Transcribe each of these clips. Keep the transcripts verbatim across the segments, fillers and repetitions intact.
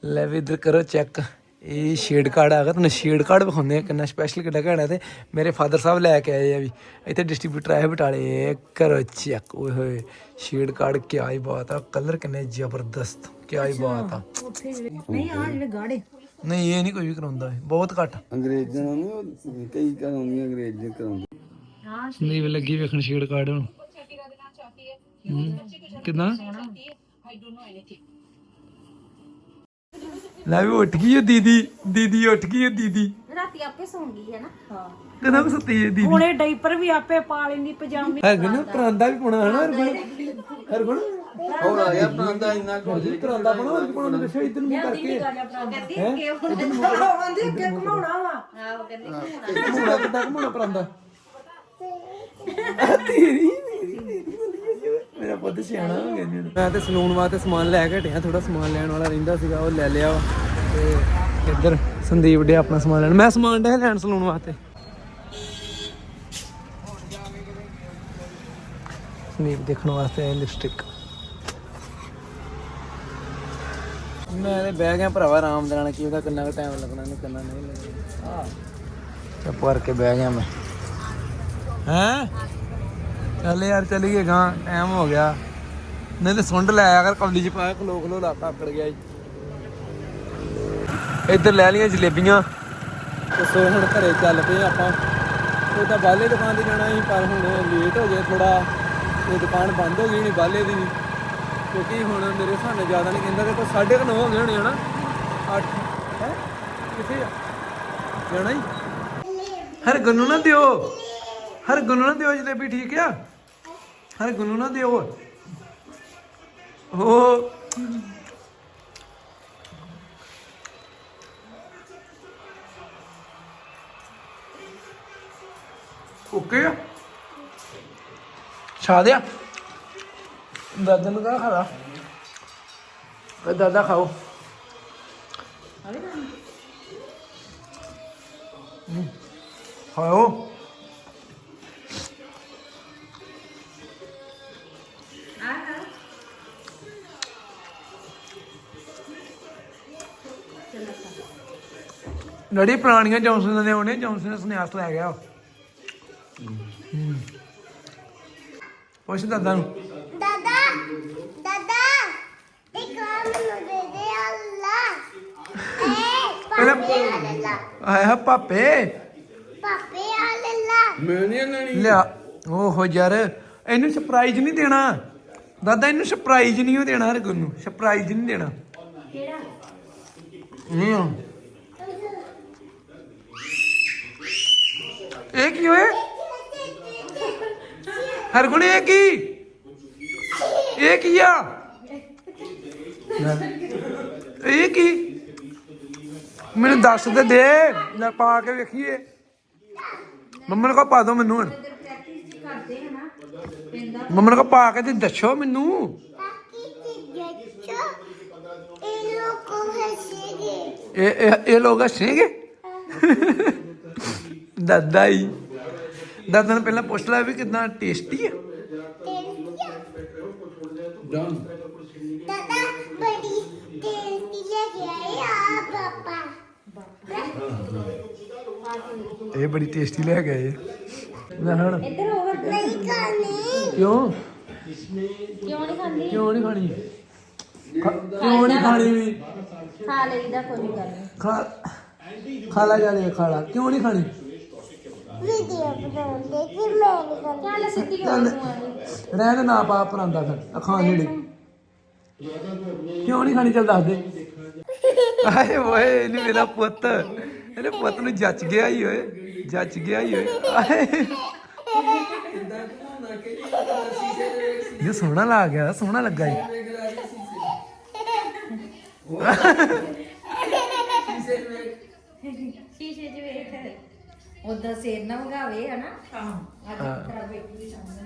ਲੈ ਵੀ ਇੱਧਰ ਕਰੋ ਚੈੱਕ, ਇਹ ਸ਼ੇਡ ਕਾਰਡ ਆ ਗਿਆ। ਤੁਹਾਨੂੰ ਸ਼ੇਡ ਕਾਰਡ ਵਿਖਾਉਂਦੇ ਆ ਕਿੰਨਾ ਸਪੈਸ਼ਲ ਕਿੱਡਾ ਘੈਂਟ ਹੈ। ਤੇ ਮੇਰੇ ਫਾਦਰ ਸਾਹਿਬ ਲੈ ਕੇ ਆਏ ਆ ਵੀ, ਇੱਥੇ ਡਿਸਟਰੀਬਿਊਟਰ ਆਏ ਬਟਾਲੇ। ਕਰੋ ਚੈੱਕ, ਓਏ ਹੋਏ ਸ਼ੇਡ ਕਾਰਡ ਕਿਆ ਹੀ ਬਾਤ ਆ, ਕਲਰ ਕਿੰਨੇ ਜ਼ਬਰਦਸਤ, ਕਿਆ ਹੀ ਬਾਤ ਆ। ਨਹੀਂ ਆ ਜਿਹੜੇ ਗਾੜੇ ਨਹੀਂ ਇਹ ਨਹੀਂ ਕੋਈ ਵੀ ਕਰਾਉਂਦਾ, ਬਹੁਤ ਘੱਟ। ਅੰਗਰੇਜ਼ਾਂ ਨੂੰ ਕਈ ਕਰਾਉਂਦੀਆਂ, ਅੰਗਰੇਜ਼ ਕਰਾਉਂਦੇ। ਸੰਦੀਪ ਲੱਗੀ ਵੇਖਣ ਸ਼ੇਡ ਕਾਰਡ ਹੁਣ ਕਿਦਾਂ। ਲੈ ਵੀ ਉੱਠ ਗਈ ਉਹ ਦੀਦੀ, ਦੀਦੀ ਉੱਠ ਗਈ ਉਹ ਦੀਦੀ। ਰਾਤੀ ਆਪੇ ਸੌਂ ਗਈ ਹੈ ਨਾ। ਹਾਂ ਕਦੋਂ ਕੁ ਸੁੱਤੀ ਹੈ ਦੀਦੀ? ਹੁਣੇ ਡਾਈਪਰ ਵੀ ਆਪੇ ਪਾ ਲੈਂਦੀ, ਪਜਾਮੀ। ਹਰਗੁਣ ਪਰਾਂਦਾ ਵੀ ਪਾਉਣਾ ਹੈ ਨਾ ਹਰਗੁਣ? ਹਰਗੁਣ ਹੋਰ ਆ ਗਿਆ ਪ੍ਰਾਂਦਾ ਇੰਨਾ ਕੁਝ ਪਰਾਂਦਾ ਪਾਉਣਾ, ਹੋਰ ਕੀ ਪਾਉਣਾ ਮੈਨੂੰ ਦੱਸੋ। ਇੱਧਰ ਨੂੰ ਕਰਕੇ ਆਂਦੀ ਅੱਗੇ ਘਮਾਉਣਾ ਵਾ। ਆਹੋ ਕਹਿੰਦੀ ਘੁਮਾਉਣਾ ਕਿੱਦਾਂ, ਘੁਮਾਉਣਾ ਪਰਾਂਦਾ ਤੇਰੀ ਮੇਰਾ ਪੁੱਤ ਸਿਆਣਾ ਹੋ ਗਿਆ ਜੀ। ਮੈਂ ਤੇ ਸਲੂਨ ਵਾਸਤੇ ਸਮਾਨ ਲੈ ਕੇ ਹਟਿਆ, ਥੋੜਾ ਸਮਾਨ ਲੈਣ ਵਾਲਾ ਰਹਿੰਦਾ ਸੀਗਾ, ਉਹ ਲੈ ਲਿਆ ਵਾ। ਤੇ ਇੱਧਰ ਸੰਦੀਪ ਡੇ ਆਪਣਾ ਸਮਾਨ ਲੈਣ, ਮੈਂ ਸਮਾਨ ਡੇ ਲੈਣ ਸਲੂਨ ਵਾਸਤੇ। ਸੰਦੀਪ ਦੇਖਣ ਵਾਸਤੇ ਆਏ ਲਿਪਸਟਿਕ। ਮੈਂ ਤੇ ਬਹਿ ਗਿਆ ਭਰਾਵਾ ਆਰਾਮ ਦੇ ਨਾਲ, ਕੀ ਉਹਦਾ ਕਿੰਨਾ ਕੁ ਟਾਈਮ ਲੱਗਣਾ, ਇਹਨੂੰ ਕਿੰਨਾ ਨਹੀਂ ਲੱਗਣਾ। ਆਹ ਚੁੱਪ ਕਰਕੇ ਬਹਿ ਗਿਆ ਮੈਂ। ਹੈਂ ਚੱਲ ਯਾਰ ਚੱਲੀਏ ਗਾਂ, ਟਾਈਮ ਹੋ ਗਿਆ। ਨਹੀਂ ਤੇ ਸੁੰਡ ਲੈ ਆਇਆ ਕਰ ਕੌਲੀ ਚ ਪਾਇਆ, ਖਲੋ ਖਲੋ ਲਾ ਆਕੜ ਗਿਆ ਜੀ। ਇੱਧਰ ਲੈ ਲਈਆਂ ਜਲੇਬੀਆਂ ਤੇ ਸੋ ਹੁਣ ਘਰੇ ਚੱਲ ਪਏ ਆਪਾਂ। ਉਹ ਤਾਂ ਬਾਲੇ ਦੁਕਾਨ ਤੇ ਜਾਣਾ ਸੀ, ਪਰ ਹੁਣ ਲੇਟ ਹੋ ਗਏ ਥੋੜਾ, ਤੇ ਦੁਕਾਨ ਬੰਦ ਹੋ ਗਈ ਨਹੀਂ ਬਾਲੇ ਦੀ ਵੀ, ਕਿਉਂਕਿ ਹੁਣ ਮੇਰੇ ਹਿਸਾਬ ਨਾਲ ਜ਼ਿਆਦਾ ਨਹੀਂ ਕਹਿੰਦਾ, ਤੇ ਕੋਈ ਸਾਢੇ ਕੁ ਨੌ ਹੋ ਗਏ ਹੋਣੇ ਹਨਾ, ਅੱਠ ਹੈ ਕਿੱਥੇ ਆ ਜਾਣਾ ਹੀ। ਹਰ ਗੁੰਨੂ ਨਾ ਦਿਓ, ਹਰ ਗੁੰਨੂ ਨਾ ਦਿਓ ਜਲੇਬੀ, ਠੀਕ ਆ? ਹਰ ਗੁੰਨੂ ਨਾ ਦਿਓ। ਉਹ ਓਕੇ ਆ, ਛਾ ਦਿਆ ਦਾਦਾ ਨੂੰ ਕਹਾ ਖਾਲਾ, ਕਹ ਦਾਦਾ ਖਾਓ। ਖਾਓ ਲੜੀ ਪੁਰਾਣੀਆਂ ਜੌਨਸਨ ਦੇ ਆਉਣੇ, ਜੌਨਸਨ ਸਨਿਆਸ ਲੈ ਗਿਆ। ਪੁੱਛ ਦਾਦਾ ਨੂੰ, ਦਾਦਾ ਦਾਦਾ ਇੱਕ ਕੰਮ ਨੂੰ ਦੇ ਦੇ ਅੱਲਾ ਏ ਪਾਪੇ ਅੱਲਾ ਆਇਆ ਪਾਪੇ, ਪਾਪੇ ਅੱਲਾ ਮੈਂ ਨਹੀਂ ਲੈਣੀ। ਲਿਆ ਓਹੋ ਯਾਰ, ਇਹਨੂੰ ਸਰਪ੍ਰਾਈਜ਼ ਨਹੀਂ ਦੇਣਾ ਦਾਦਾ, ਇਹਨੂੰ ਸਰਪ੍ਰਾਈਜ਼ ਨਹੀਂ ਉਹ ਦੇਣਾ, ਹਰ ਨੂੰ ਸਰਪ੍ਰਾਈਜ਼ ਨਹੀਂ ਦੇਣਾ। ਕਿਹੜਾ ਨਹੀਂ ਆ ਇਹ ਕੀ ਹੋਇਆ ਹਰਗੁਣ, ਇਹ ਕੀ, ਇਹ ਕੀ ਆ, ਇਹ ਕੀ ਮੈਨੂੰ ਦੱਸ ਤੇ ਦੇ, ਲੈ ਪਾ ਕੇ ਵੇਖੀਏ। ਮੰਮਾ ਨੂੰ ਕਹੋ ਪਾ ਦੋ ਮੈਨੂੰ ਹੁਣ, ਮੰਮਾ ਨੂੰ ਕਹੋ ਪਾ ਕੇ ਤੇ ਦੱਸੋ ਮੈਨੂੰ। ਬਾਕੀ ਚੀਜ਼ਾਂ ਇਹ ਲੋਕੋ ਹੱਸੇਗੇ, ਇਹ ਇਹ ਇਹ ਲੋਕ ਹੱਸਣਗੇ ਦਾਦਾ ਹੀ। ਦਾਦਾ ਨੂੰ ਪਹਿਲਾਂ ਪੁੱਛ ਲੈ ਵੀ ਕਿੰਨਾ ਟੇਸਟੀ ਹੈ। ਡਨ। ਦਾਦਾ ਬੜੀ ਟੇਸਟੀ ਲੱਗ ਆਈ ਆ ਪਾਪਾ। ਇਹ ਬੜੀ ਟੇਸਟੀ ਲੈ ਗਏ ਮੈਂ ਹੁਣ। ਇੱਧਰ ਓਵਰ ਨਹੀਂ ਖਾਣੀ, ਕਿਉਂ ਕਿਉਂ ਨਹੀਂ ਖਾਂਦੀ? ਕਿਉਂ ਨਹੀਂ ਖਾਣੀ, ਖਾ- ਕਿਉਂ ਨਹੀਂ ਖਾਣੀ ਵੀ, ਖਾ ਲਈਦਾ, ਕੋਈ ਗੱਲ ਨਹੀਂ। ਖਾ ਖਾ ਲਾ ਜਾ ਲੈ ਖਾ ਲਾ, ਕਿਉਂ ਨਹੀਂ ਖਾਣੀ? ਵੀਡੀਓ ਬਣਾਉਂਦੇ ਕਿ ਮੈਂ ਨਹੀਂ ਖਾਣੀ। ਚੱਲ ਸਿੱਧੀ ਹੋ ਚੱਲ ਤੂੰ ਆਣੀ। ਰਹਿਣ ਨਾ ਪਾ ਪਰਾਂਦਾ ਫਿਰ ਆ ਖਾਣ ਨੇੜੇ, ਕਿਉਂ ਨਹੀਂ ਖਾਣੀ? ਚੱਲ ਦੱਸ ਦੇ। ਆਏ ਓਏ ਇਹਨੂੰ ਮੇਰਾ ਪੁੱਤ, ਇਹਨੇ ਪੁੱਤ ਨੂੰ ਜੱਚ ਗਿਆ ਹੀ ਓਏ, ਜੱਚ ਗਿਆ ਹੀ ਓਏ। ਆਏ ਇਹ ਸੋਹਣਾ ਲੱਗ ਗਿਆ, ਸੋਹਣਾ ਲੱਗਾ ਜੀ। ਸ਼ੀਸ਼ੇ 'ਚ ਵੇਖ, ਉਦਾਂ ਸਿਰ ਨਾ ਵਗਾਵੇ ਹਨਾ। ਅੱਜ ਖਰਾਬ ਬੈਠੀ ਸਾਹਮਣੇ।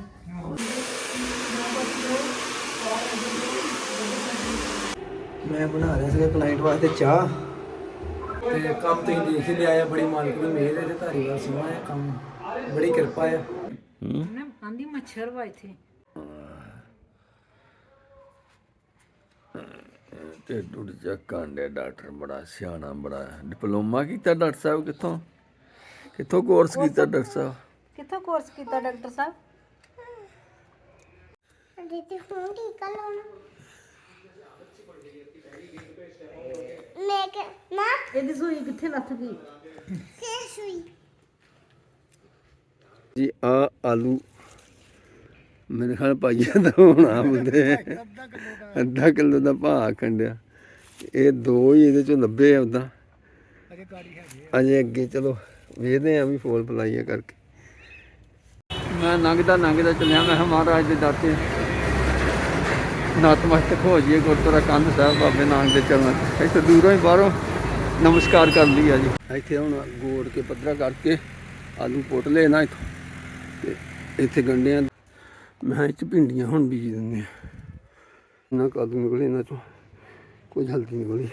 ਮੈਂ ਬਣਾ ਰਿਹਾ ਸੀਗਾ ਕਲਾਇੰਟ ਵਾਸਤੇ ਚਾਹ, ਤੇ ਕੰਮ ਤੁਸੀਂ ਦੇਖ ਹੀ ਲਿਆ ਆ, ਬੜੀ ਮਾਲਕ ਦੀ ਮਿਹਰ ਹੈ ਤੇ ਧਾਰੀਵਾਲ ਸੋਹਣਾ ਹੈ ਕੰਮ, ਬੜੀ ਕਿਰਪਾ ਆ। ਨਾ ਆਂਦੀ ਮੱਛਰ ਵਾ ਇੱਥੇ। ਢਿੱਡ ਢੁੱਡ ਚੱਕਣ ਦੇ ਡਾਕਟਰ ਬੜਾ ਸਿਆਣਾ ਬੜਾ ਡਿਪਲੋਮਾ ਕੀਤਾ ਡਾਕਟਰ ਸਾਹਿਬ ਕਿੱਥੋਂ ਕਿੱਥੋਂ ਕੋਰਸ ਕੀਤਾ ਡਾਕਟਰ ਸਾਹਿਬ ਕਿੱਥੋਂ ਕੋਰਸ ਕੀਤਾ ਡਾਕਟਰ ਸਾਹਿਬ? ਦੀਦੀ ਹੁਣ ਟੀਕਾ ਲਾਉਣਾ ਮੈਂ ਕਿ ਨਾ ਇਹਦੀ ਸੂਈ ਕਿੱਥੇ ਲੱਥ ਗਈ? ਕੇ ਸੂਈ ਜੀ ਆ ਆਲੂ ਮੇਰੇ ਖਿਆਲ ਪਾਈਆ ਦਾ ਹੋਣਾ ਹੁੰਦੇ ਅੱਧਾ ਕਿਲੋ ਦਾ ਭਾਅ ਆਖਣ ਡਿਆ ਇਹ ਦੋ ਹੀ ਇਹਦੇ ਚੋਂ ਲੱਭੇ ਆ ਉਦਾਂ ਅਜੇ ਅੱਗੇ ਚਲੋ ਵੇਖਦੇ ਆ ਵੀ ਫੋਲ ਫਲਾਈਆ ਕਰਕੇ ਮੈਂ ਲੰਘਦਾ ਲੰਘਦਾ ਚੱਲਿਆ ਮੈਂ ਕਿਹਾ ਮਹਾਰਾਜ ਦੇ ਦਰ ਤੇ ਨਤਮਸਤਕ ਹੋ ਜਾਈਏ ਗੁਰਦੁਆਰਾ ਕੰਧ ਸਾਹਿਬ ਬਾਬੇ ਨਾਨਕ ਦੇ ਚਰਨਾਂ 'ਚ ਇੱਥੇ ਦੂਰੋਂ ਹੀ ਬਾਹਰੋਂ ਨਮਸਕਾਰ ਕਰ ਲਈ ਆ ਜੀ ਇੱਥੇ ਹੁਣ ਗੋੜ ਕੇ ਪੱਧਰਾ ਕਰਕੇ ਆਲੂ ਪੁੱਟ ਲਏ ਨਾ ਇੱਥੋਂ ਤੇ ਇੱਥੇ ਗੰਢਿਆਂ ਮੈਂ ਇਹ 'ਚ ਭਿੰਡੀਆਂ ਹੁਣ ਬੀਜ ਦਿੰਦੇ ਆ ਇਹਨਾਂ ਕਾਦੂ ਨਿਕਲੇ ਇਹਨਾਂ 'ਚੋਂ ਕੁਝ ਹਲਦੀ ਨਿਕਲੀ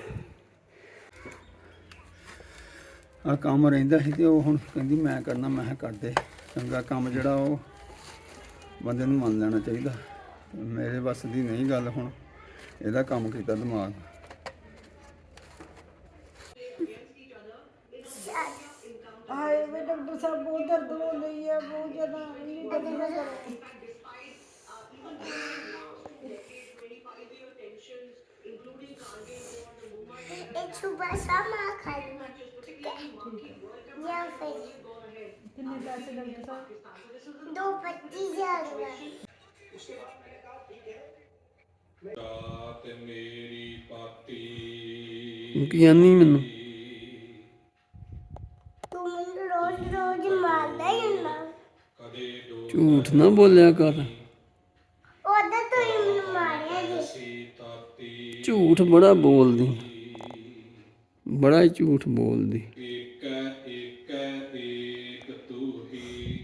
ਆ ਕੰਮ ਰਹਿੰਦਾ ਸੀ ਤੇ ਉਹ ਹੁਣ ਕਹਿੰਦੀ ਮੈਂ ਕਰਨਾ ਮੈਂ ਕਿਹਾ ਕਰਦੇ ਚੰਗਾ ਕੰਮ ਜਿਹੜਾ ਉਹ ਬੰਦੇ ਨੂੰ ਮੰਨ ਲੈਣਾ ਚਾਹੀਦਾ ਮੇਰੇ ਵੱਸ ਦੀ ਨਹੀਂ ਗੱਲ ਹੁਣ ਇਹਦਾ ਕੰਮ ਕੀਤਾ ਦਿਮਾਗ ਹਾਏ ਵੇ ਡਾਕਟਰ ਸਾਹਿਬ ਬਹੁਤ ਦਰਦ ਹੋ ਰਹੀ ਹੈ ਬਹੁਤ ਜ਼ਿਆਦਾ एक सुबह शाम खाई या फिर ਕਿੰਨੇ ਪੈਸੇ ਡਾਕਟਰ ਸਾਹਿਬ? दो पच्चीस हजार ਰਾਤ ਮੇਰੀ ਪਾਤੀ ਕੀ ਆਨੀ ਮੈਨੂੰ तू मुझे रोज रोज मारता ही ना ਕਦੇ ਦੋ ਝੂਠ ਨਾ ਬੋਲਿਆ ਕਰ ओदा तो ही मुझे मारिया जी ਤਾਤੀ ਝੂਠ ਬੜਾ ਬੋਲਦੀ ਬੜਾ ਹੀ ਝੂਠ ਬੋਲਦੀ ਏਕ ਏਕ ਏਕ ਤੂੰ ਹੀ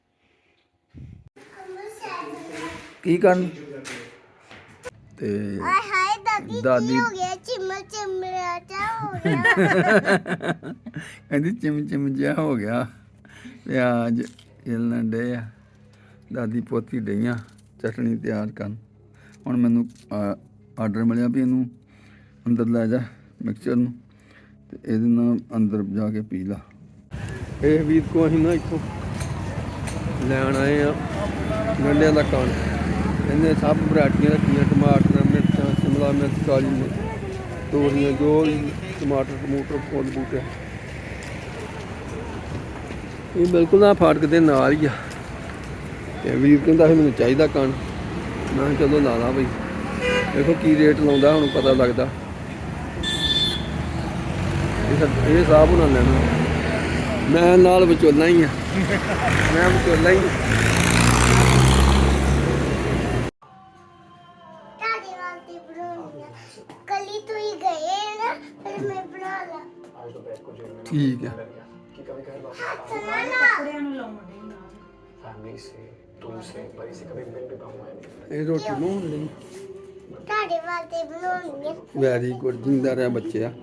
ਕੀ ਕਰਨ ਤੇ हाय हाय दादी दादी- की हो गया चिमल चिमड़ा चा हो गया ਕਹਿੰਦੀ ਚਿਮ ਚਿਮ ਜਿਹਾ ਹੋ ਗਿਆ ਪਿਆਜ ਹਿਲਣ ਡੇ ਆ ਦਾਦੀ ਪੋਤੀ ਡਈਆਂ ਚਟਣੀ ਤਿਆਰ ਕਰਨ ਹੁਣ ਮੈਨੂੰ ਆਰਡਰ ਮਿਲਿਆ ਵੀ ਇਹਨੂੰ ਅੰਦਰ ਲੈ ਜਾ ਮਿਕਸਚਰ ਨੂੰ ਤੇ ਇਹਦੇ ਨਾਲ ਅੰਦਰ ਜਾ ਕੇ ਪੀ ਲਾ ਇਹ ਵੀਰ ਕੋ ਅਸੀਂ ਨਾ ਇੱਥੋਂ ਲੈਣ ਆਏ ਆ ਗੰਢਿਆਂ ਦਾ ਕਣ ਇਹਨੇ ਸਭ ਵੈਰਾਈਟੀਆਂ ਰੱਖੀਆਂ ਟਮਾਟਰ ਮਿਰਚਾਂ ਸ਼ਿਮਲਾ ਮਿਰਚ ਕਾਲੀ ਮਿਰਚ ਤੋਰੀਆਂ ਜੋ ਵੀ ਟਮਾਟਰ ਟਮੂਟਰ ਫੁੱਲ ਬੂਟੇ ਇਹ ਬਿਲਕੁਲ ਨਾ ਫਾਟਕ ਦੇ ਨਾਲ ਹੀ ਆ ਤੇ ਵੀਰ ਕਹਿੰਦਾ ਸੀ ਮੈਨੂੰ ਚਾਹੀਦਾ ਕਣ ਮੈਂ ਕਿਹਾ ਚਲੋ ਲਾ ਲਾ ਬਈ ਦੇਖੋ ਕੀ ਰੇਟ ਲਾਉਂਦਾ ਹੁਣ ਪਤਾ ਲੱਗਦਾ ਇਹ ਇਹ ਸਾਹਬ ਉਹਨਾਂ ਲੈਣਾ ਮੈਂ ਨਾਲ ਵਿਚੋਲਾ ਹੀ ਆ ਮੈਂ ਵਿਚੋਲਾ ਹੀ दादी वाली बनानी कली तो ही गए ना फिर मैं बना ला ਠੀਕ ਆ चला ना ਕੱਪੜਿਆਂ ਨੂੰ ਲਾਉਣ ਦੇ ਨਾਲ फैमिली से तुमसे बड़ी से कभी मिल भी पाऊंगा नहीं ਇਹ ਰੋਟੀ ਨੂੰ ਹੁੰਦੀ दादी वाली बनानी ਵੈਰੀ ਗੁੱਡ ਜਿੰਦਾ ਰਿਹਾ ਬੱਚਿਆ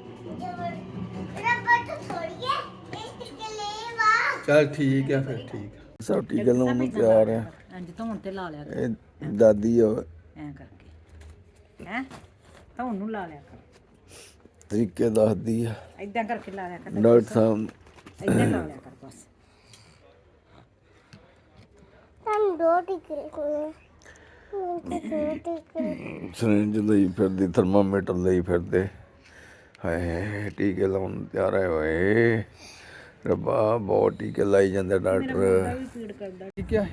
रबर तो छोड़िए इस ले वाह ਚਲ ਠੀਕ ਆ ਫਿਰ ਠੀਕ ਆ ਸਭ ਟੀਕੇ ਲਾਉਣ ਨੂੰ ਤਿਆਰ ਆ ਇੰਜ ਧੌਣ ਤੇ ਲਾ ਲਿਆ ਕਰ ਇਹ ਦਾਦੀ ਆ ਐਂ ਕਰਕੇ ਹੈ ਧੌਣ ਨੂੰ ਲਾ ਲਿਆ ਕਰ ਤਰੀਕੇ ਦੱਸਦੀ ਆ ਏਦਾਂ ਕਰਕੇ ਲਾ ਲਿਆ ਕਰ ਡਾਕਟਰ ਸਾਹਿਬ ਏਦਾਂ ਲਾ ਲਿਆ ਕਰ ਬਸ हम दो टिकरे को टिकरे ਸਿਰਿੰਜ ਲਈ ਫਿਰਦੀ ਥਰਮਾਮੀਟਰ ਲਈ ਫਿਰਦੇ ਹਾਏ ਟੀਕੇ ਲਾਉਣ ਨੂੰ ਤਿਆਰ ਹੋਏ ਰੱਬਾ ਬਹੁਤ ਟੀਕੇ ਲਾਈ ਜਾਂਦੇ ਡਾਕਟਰ ਵੀ ਪੀੜ ਕਰਦਾ ਠੀਕ ਹੈ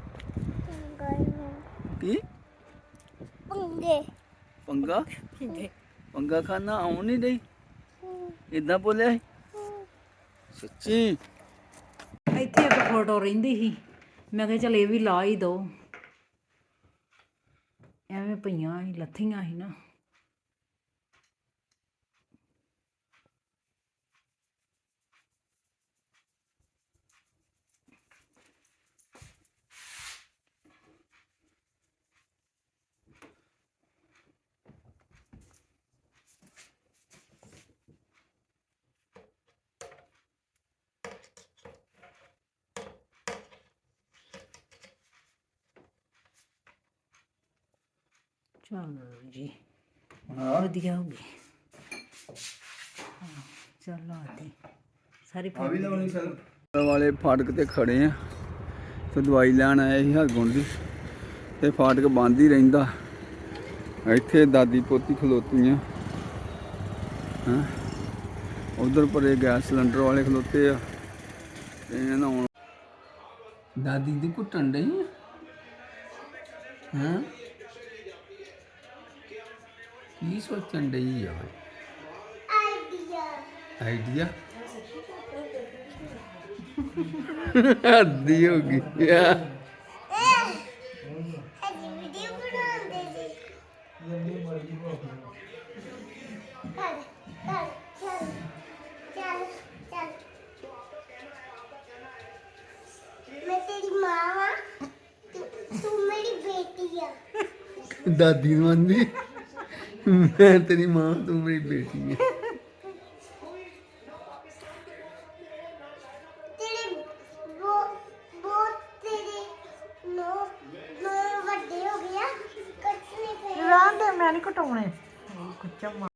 ਕੀ पंगे ਪੰਗਾ ਪੰਗਾ ਖਾਣਾ ਆਉਣ ਨਹੀਂ ਡਈ ਇਦਾਂ ਬੋਲਿਆ ਸੀ? ਸੱਚੀ ਇੱਥੇ ਇੱਕ ਫੋਟੋ ਰਹਿੰਦੀ ਸੀ ਮੈਂ ਕਿਹਾ ਚਲ ਇਹ ਵੀ ਲਾ ਹੀ ਦੋ ਐਵੇਂ ਪਈਆਂ ਸੀ ਲੱਥੀਆਂ ਸੀ ਨਾ ਚਲੋ ਜੀ ਹਾਂ ਵਧੀਆ ਹੋ ਗਏ ਚਲ ਆਤੇ ਸਾਰੀ ਆ ਵੀ ਲਾਉਣੀ ਸਰ ਵਾਲੇ ਫਾਟਕ ਤੇ ਖੜੇ ਆ ਤੇ ਦਵਾਈ ਲੈਣ ਆਏ ਸੀ ਹਰਗੁਣ ਦੀ ਤੇ ਫਾਟਕ ਬੰਦ ਹੀ ਰਹਿੰਦਾ ਇੱਥੇ ਦਾਦੀ ਪੋਤੀ ਖਲੋਤੀਆਂ ਹਾਂ ਉਧਰ ਪਰੇ ਗੈਸ ਸਿਲੰਡਰ ਵਾਲੇ ਖਲੋਤੇ ਆ ਤੇ ਇਹਨਾਂ ਹੁਣ ਦਾਦੀ ਦੀ ਘੁੱਟਣ ਡਈ ਹਾਂ ਕੀ ਸੋਚਣ ਡਈ ਆ ਆਈਡੀਆ ਆਈਡੀਆ ਅੱਧੀ ਹੋ ਗਈ ਆ ਅਜੀ ਵੀਡੀਓ ਬਣਾਉਂਦੇ ਸੀ ਕਰ ਕਰ ਚੱਲ ਚੱਲ ਚੱਲ ਮੈਂ ਤੇਰੀ ਮਾਂ ਵਾਂ ਤੂੰ ਤੂੰ ਮੇਰੀ ਬੇਟੀ ਆ ਦਾਦੀ ਨੂੰ ਆਂਦੀ ਮੈਂ ਤੇਰੀ ਮਾਂ ਤੂੰ ਮੇਰੀ ਬੇਟੀ ਹੈ ਤੇਰੇ ਬੋ ਬੋ ਤੇਰੇ ਨੋ ਨੋ ਵੱਡੇ ਹੋ ਗਿਆ ਕੱਟਨੇ ਪਏ ਰਾਂਦੇ ਮੈਂ ਨਹੀਂ ਕਟਾਉਣੇ ਕੁੱਚਾ